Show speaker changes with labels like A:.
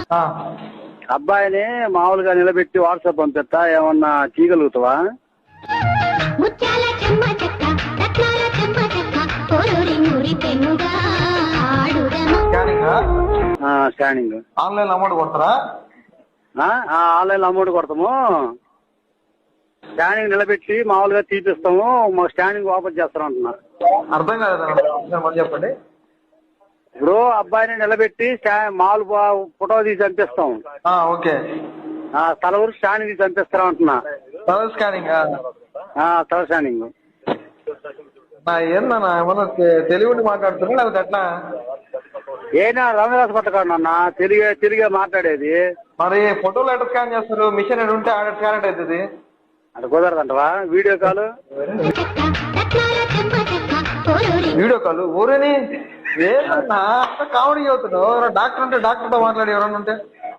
A: ఆ.
B: అబ్బాయిని మామూలుగా నిలబెట్టి వాట్సాప్ పంపిస్తా, ఏమన్నా చేయగలుగుతావా? స్కానింగ్
A: ఆన్లైన్ అమౌంట్ కొడతారా?
B: ఆన్లైన్ అమౌంట్ కొడతాము, స్కానింగ్ నిలబెట్టి మామూలుగా తీపిస్తాము, మా స్కానింగ్ ఓపెన్ చేస్తాం అంటున్నా.
A: అర్థం కాదు, చెప్పండి.
B: ఇప్పుడు అబ్బాయిని నిలబెట్టి మామూలు ఫోటో తీసి పంపిస్తాం.
A: ఓకే.
B: తల ఊరు స్కానింగ్ తీసి పంపిస్తాం అంటున్నా.
A: తల స్కానింగ్?
B: తల స్కానింగ్
A: ఏందన్నా ఏమన్నా తెలివిని మాట్లాడుతున్నా లేకపోతే ఎట్లా?
B: ఏనా రంగదాస్ పట్టకాడన్నా తిరిగే మాట్లాడేది.
A: మరి ఫోటోలు ఎట్లా స్కాన్ చేస్తారు? మిషన్ ఎక్కడ ఉంటే ఆడ స్కాన్ అవుతుంది.
B: అది కుదరదంటవా? వీడియో కాల్
A: ఊరేని ఏదన్నా కామెడీ అవుతున్నావు. డాక్టర్ అంటే డాక్టర్తో మాట్లాడి ఎవరన్నా ఉంటే